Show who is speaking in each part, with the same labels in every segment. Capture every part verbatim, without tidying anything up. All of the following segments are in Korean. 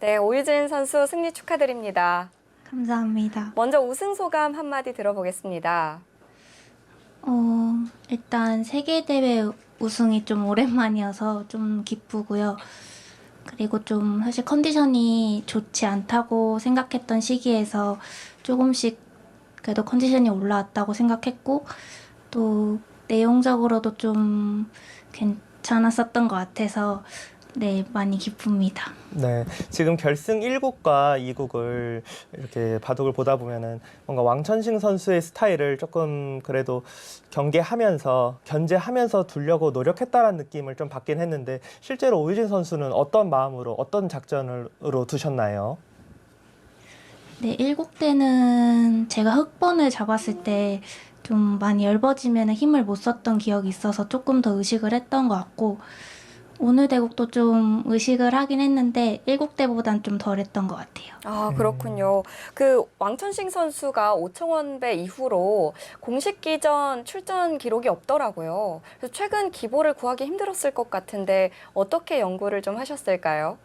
Speaker 1: 네, 오유진 선수 승리 축하드립니다.
Speaker 2: 감사합니다.
Speaker 1: 먼저 우승 소감 한마디 들어보겠습니다.
Speaker 2: 어, 일단 세계대회 우승이 좀 오랜만이어서 좀 기쁘고요. 그리고 좀 사실 컨디션이 좋지 않다고 생각했던 시기에서 조금씩 그래도 컨디션이 올라왔다고 생각했고, 또 내용적으로도 좀 괜찮았었던 것 같아서 네, 많이 기쁩니다.
Speaker 3: 네, 지금 결승 일 국과 이 국을 이렇게 바둑을 보다 보면은 뭔가 왕천식 선수의 스타일을 조금 그래도 경계하면서 견제하면서 두려고 노력했다라는 느낌을 좀 받긴 했는데 실제로 오유진 선수는 어떤 마음으로 어떤 작전으로 두셨나요?
Speaker 2: 네, 일 국 때는 제가 흑번을 잡았을 때 좀 많이 얇아지면 힘을 못 썼던 기억이 있어서 조금 더 의식을 했던 것 같고, 오늘 대국도 좀 의식을 하긴 했는데 일 국 때보단 좀 덜 했던 것 같아요.
Speaker 1: 아, 그렇군요. 그 왕천식 선수가 오청원배 이후로 공식 기전 출전 기록이 없더라고요. 그래서 최근 기보를 구하기 힘들었을 것 같은데 어떻게 연구를 좀 하셨을까요?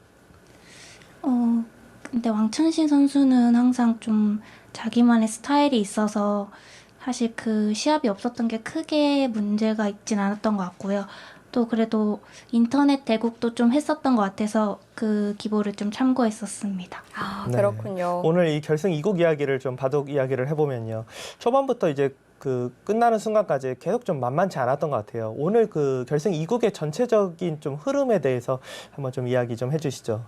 Speaker 2: 어, 근데 왕천신 선수는 항상 좀 자기만의 스타일이 있어서 사실 그 시합이 없었던 게 크게 문제가 있진 않았던 것 같고요. 또 그래도 인터넷 대국도 좀 했었던 것 같아서 그 기보를 좀 참고했었습니다.
Speaker 1: 아,
Speaker 3: 네.
Speaker 1: 그렇군요.
Speaker 3: 오늘 이 결승 이 국 이야기를 좀 바둑 이야기를 해보면요. 초반부터 이제 그 끝나는 순간까지 계속 좀 만만치 않았던 것 같아요. 오늘 그 결승 이 국의 전체적인 좀 흐름에 대해서 한번 좀 이야기 좀 해주시죠.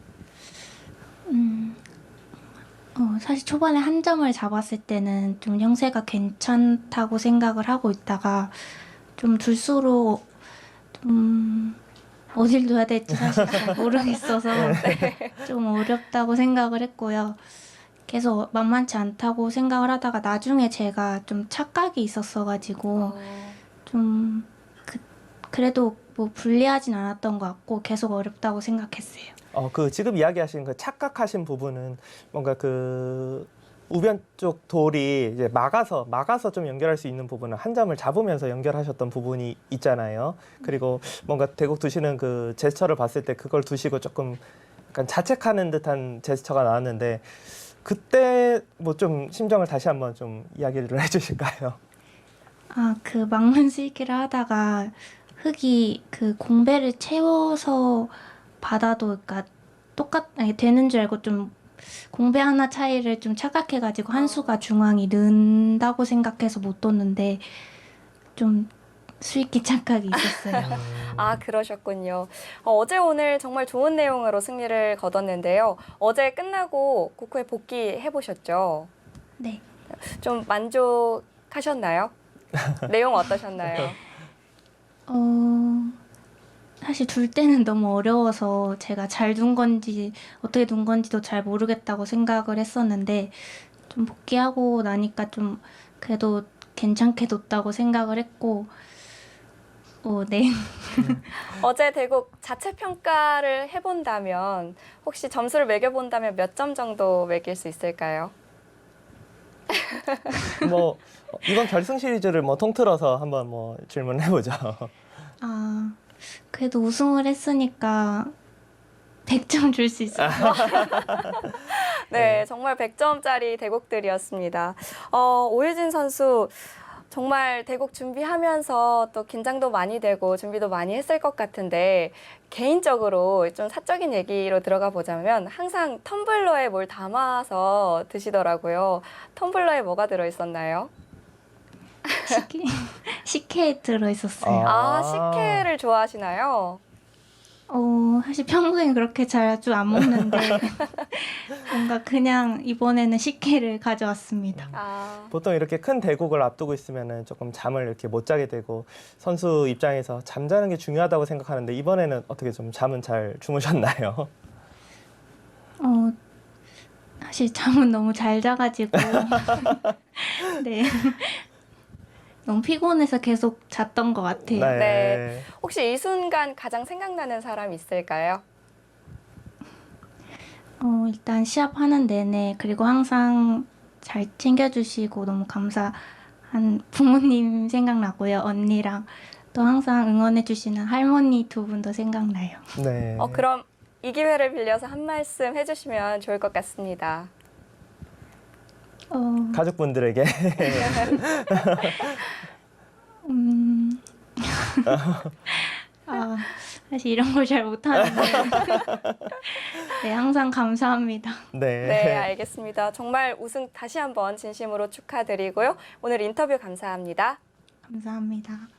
Speaker 2: 음, 어, 사실 초반에 한 점을 잡았을 때는 좀 형세가 괜찮다고 생각을 하고 있다가 좀 둘수록 좀 어딜 둬야 될지 사실 잘 모르겠어서 좀 어렵다고 생각을 했고요. 계속 만만치 않다고 생각을 하다가 나중에 제가 좀 착각이 있었어가지고
Speaker 1: 어,
Speaker 2: 좀 그, 그래도 뭐 불리하진 않았던 것 같고 계속 어렵다고 생각했어요.
Speaker 3: 어, 그 지금 이야기하신 그 착각하신 부분은 뭔가 그 우변 쪽 돌이 이제 막아서 막아서 좀 연결할 수 있는 부분은 한 점을 잡으면서 연결하셨던 부분이 있잖아요. 그리고 뭔가 대국 두시는 그 제스처를 봤을 때 그걸 두시고 조금 약간 자책하는 듯한 제스처가 나왔는데 그때 뭐 좀 심정을 다시 한번 좀 이야기를 해주실까요?
Speaker 2: 아, 그 막문 스위키를 하다가 흙이 그 공배를 채워서 받아도 그러니까 똑같 아니, 되는 줄 알고 좀 공배 하나 차이를 좀 착각해가지고 한 수가 중앙이 는다고 생각해서 못 뒀는데 좀 스위키 착각이 있었어요.
Speaker 1: 아, 그러셨군요. 어, 어제 오늘 정말 좋은 내용으로 승리를 거뒀는데요. 어제 끝나고 국후에 복귀해 보셨죠?
Speaker 2: 네.
Speaker 1: 좀 만족하셨나요? 내용 어떠셨나요?
Speaker 2: 어, 사실 둘 때는 너무 어려워서 제가 잘 둔 건지 어떻게 둔 건지도 잘 모르겠다고 생각을 했었는데 좀 복귀하고 나니까 좀 그래도 괜찮게 뒀다고 생각을 했고 어, 네.
Speaker 1: 어제 대국 자체 평가를 해본다면 혹시 점수를 매겨본다면 몇 점 정도 매길 수 있을까요?
Speaker 3: 뭐 이번 결승 시리즈를 뭐 통틀어서 한번 뭐 질문해 보죠.
Speaker 2: 아, 그래도 우승을 했으니까 백 점 줄 수 있어요.
Speaker 1: 네, 정말 백 점짜리 대국들이었습니다. 어, 오유진 선수 정말 대국 준비하면서 또 긴장도 많이 되고 준비도 많이 했을 것 같은데 개인적으로 좀 사적인 얘기로 들어가 보자면 항상 텀블러에 뭘 담아서 드시더라고요. 텀블러에 뭐가 들어있었나요?
Speaker 2: 식혜, 식혜에 들어있었어요.
Speaker 1: 아, 식혜를 좋아하시나요?
Speaker 2: 어, 사실 평소엔 그렇게 자주 안 먹는데 뭔가 그냥 이번에는 식혜를 가져왔습니다.
Speaker 1: 아,
Speaker 3: 보통 이렇게 큰 대국을 앞두고 있으면은 조금 잠을 이렇게 못 자게 되고 선수 입장에서 잠자는 게 중요하다고 생각하는데 이번에는 어떻게 좀 잠은 잘 주무셨나요?
Speaker 2: 어, 사실 잠은 너무 잘 자가지고 네. 너무 피곤해서 계속 잤던 것 같아요.
Speaker 1: 네. 혹시 이 순간 가장 생각나는 사람 있을까요?
Speaker 2: 어, 일단 시합하는 내내 그리고 항상 잘 챙겨주시고 너무 감사한 부모님 생각나고요. 언니랑 또 항상 응원해주시는 할머니 두 분도 생각나요.
Speaker 3: 네.
Speaker 1: 어, 그럼 이 기회를 빌려서 한 말씀 해주시면 좋을 것 같습니다.
Speaker 2: 어,
Speaker 3: 가족분들에게.
Speaker 2: 음, 아, 사실 이런 걸 잘 못하는데. 네, 항상 감사합니다.
Speaker 3: 네.
Speaker 1: 네, 알겠습니다. 정말 우승 다시 한번 진심으로 축하드리고요. 오늘 인터뷰 감사합니다.
Speaker 2: 감사합니다.